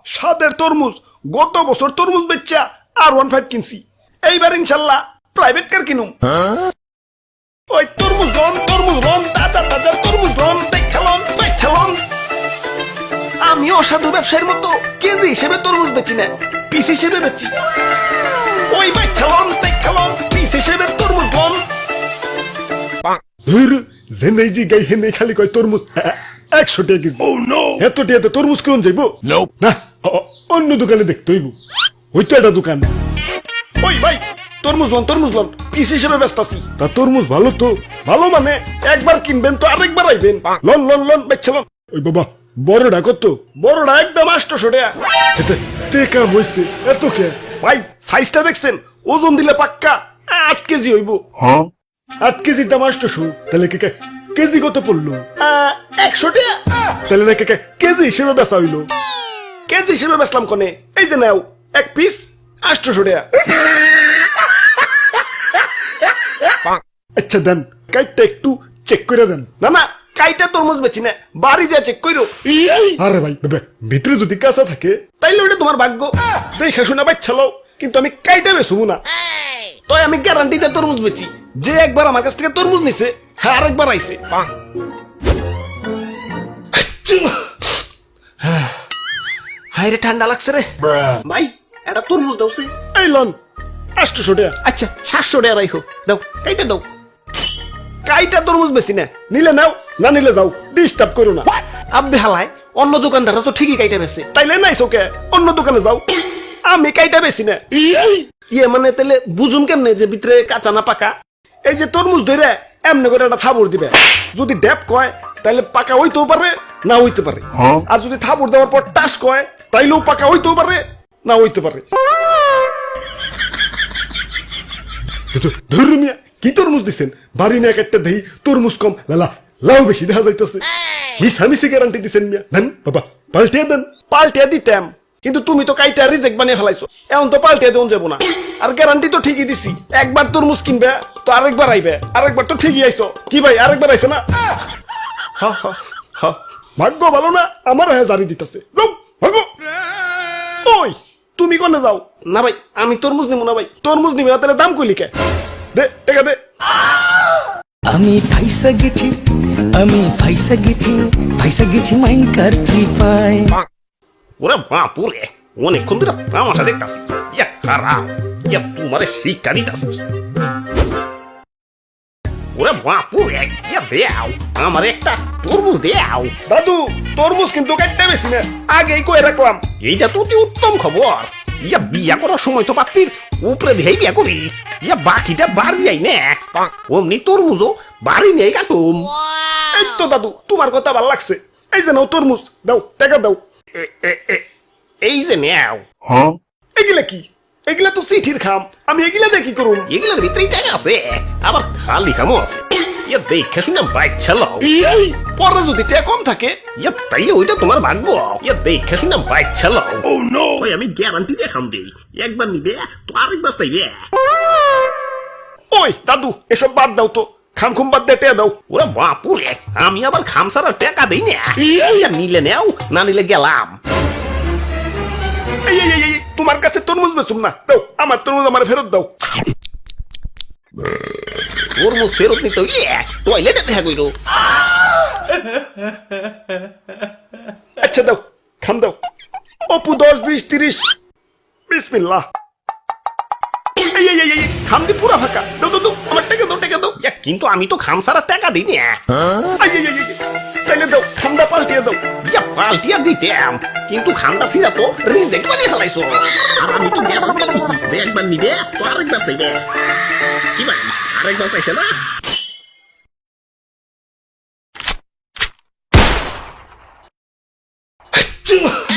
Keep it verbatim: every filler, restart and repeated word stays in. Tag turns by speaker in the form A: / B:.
A: সাদের তরমুজ গত বছর তরমুজ বেচা আর ওয়ান ফাইভ কিনছি এইবার ইনশাল্লাহ প্রাইভেট কার কিনুম ওই তরমুজ রন তরমুজ রন তাজা তাজা তরমুজ রন দেখালন বেচালন আমি অসাধু ব্যবসায়ীর মতো কেজি হিসেবে তরমুজ বেচি না পিস হিসেবে বেচি ওই বেচালন দেখালন পিস হিসেবে তরমুজ রন জেনেই জি গাই হেনে খালি কয় তরমুজ একশো টাকা কেজি এত টাকাতে তরমুজ কেমন যাইব না অন্য দোকানে দেখতে হইব ওই তো একটা দোকান ওই ভাই তরমুজ লন তরমুজ লন পিস হিসেবে ব্যস্ত আছি তা তরমুজ ভালো তো ভালো মানে একবার কিনবেন তো আরেকবার আইবেন লন লন লন বেচছে লন ওই বাবা বড়টা কত বড়টা একদম আটশো টাকা টেকা হইছে এত কে ভাই সাইজটা দেখছেন ওজন দিলে পাক্কা আট কেজি হইব হ্যাঁ আট কেজির দাম আটশো তাহলে কে কেজি কত পড়লো একশো টাকা তাহলে না কে কেজি হিসেবে বেচা হইলো কেজি হিসেবে বেচলাম কোনে এই যে নাও এক পিস আটশো টাকা আচ্ছা দেন কাইটটা একটু চেক করে দেন না না কাইটা তরমুজ বেচি না বাড়ি যা চেক কইরো আরে ভাই ভিতরে যদি কাঁচা থাকে তাইলে ওটা তোমার ভাগ্য দেখে শুনে বাচ্চালো কিন্তু আমি কাইটা বেচবো না তো আমি গ্যারান্টিতে তরমুজ বেচি যে একবার আমার কাছ থেকে তরমুজ নিছে হ্যাঁ আরেকবার আইছে হায় রে ঠান্ডা লাগছে রে ভাই এটা তরমুজ দাওছে এই লন আটশো টাকা আচ্ছা সাতশো টাকা রাখো দাও কাইটা দাও কাইটা তরমুজ বেশি না নিলে নাও না নিলে যাও ডিস্টার্ব করো না আব্বে হালায় অন্য দোকানদাররা তো ঠিকই কাইটা বেছে তাইলে নাই চোখে অন্য দোকানে যাও আমি কাইটা বেশি না ইয়ে মানে তাহলে বুঝুন কেমনে যে ভিতরে কাঁচা না পাকা এই যে তরমুজ ধরে এমনি করে একটা থাবড় দিবে যদি ড্যাপ কয় তাহলে পাকা হইতেও পারে না হইতে পারে আর যদি থাবড় দেওয়ার পর টাস কয় তাইলেও পাকা হইতেও পারে না হইতে পারে ধরু মিয়া কি তরমুজ দিচ্ছেন বাড়ি না একটা দেই তরমুজ কম লালা লাউ বেশি দেখা যাইতেছে মিশামিশি গ্যারান্টি দিচ্ছেন মিয়া দেন বাবা পাল্টিয়ে দেন পাল্টিয়ে দিতাম কিন্তু তুমি তো কাইটা রিজেক্ট বানিয়ে ফেলাইছো এখন তো পাল্টিয়ে দেন যাবো না আর গ্যারান্টি তো ঠিকই দিছি একবার তরমুজ কিনবে তো আরেকবার আইবে আরেকবার তো ঠিকই আইছো কি ভাই আরেকবার আইছে না হা হা হা ভাগ্য ভালো না আমার হ্যাঁ জারি দিতেছে ভাগ্য ওই তুমি কোনে যাও না ভাই আমি তরমুজ নিব না ভাই তরমুজ নিবে না তাহলে দাম কইলি কে দে টাকা দে
B: আমি ফাইসা গেছি আমি ফাইসা গেছি ফাইসা গেছি মাইন কারছি পাই
A: ওরে বাপুরে অনেকক্ষণ ধরে তামাশা দেখতাছি ইয়া খারাপ ইয়া তোমারে শিক্ষা দিতাছি ওরে বাপুরে ইয়া দেও আমার একটা তরমুজ দেও দাদু তরমুজ কিন্তু কাটতে বেশি না আগেই কই রাখলাম এইটা তো অতি উত্তম খবর ইয়া বিয়া করার সময় তো পাত্রীর উপরে দিয়েই বিয়া করি ইয়া বাকিটা বাড়ি যাই না অমনি তরমুজও বাড়ি নেই কাটুম এই তো দাদু তোমার কথা ভালো লাগছে এই যে নাও তরমুজ দাও টাকা দাও এই যে নেও হ্যাঁ এগুলা কি এগুলা তো চিঠির খাম আমি এগুলা দিয়ে কি করুম এগুলার ভিতরেই টাকা আছে আবার খালি খামও আছে ইয়া দেখে শুনে বাইক চালাও পরে যদি টাকা কম থাকে ইয়া তাইলে ওইটা তোমার ভাগ্য ইয়া দেখে শুনে বাইক চালাও ও নো ওই আমি গ্যারান্টি দেখাম দেই একবার নিবে তো আরেকবার চাইবে ওই দাদু এসব বাদ দাও তো খাম খুম বাদ দিয়ে টাকা দাও ওরে বাপুরে আমি আবার খাম ছাড়া টাকা দেই না ইয়া নিলে নেও না নিলে গেলাম এই এই এই তোমার কাছে তরমুজ বেচুম না দাও আমার তরমুজ আমার ফেরত দাও তরমুজ ফেরত নিতে হইলে টয়লেটে দেখা কইরো আচ্ছা দাও খাম দাও অপু দশ বিশ তিরিশ বিসমিল্লাহ এই এই এই খাম দি পুরা ফাঁকা দাও দাও দাও আমার টাকা দাও টাকা দাও কিন্তু আমি তো খাম ছাড়া টাকা দিই না তাইলে দাও খামটা পাল্টিয়ে দাও ইয়া পাল্টিয়ে দিতাম কিন্তু খামটা ছিঁড়া তো রিজেক্ট বানিয়ে ফেলাইছো আর আমি তো গ্যারান্টি দিছি যে একবার নিবে তো আরেকবার চাইবে কি ভাই আরেকবার চাইছে না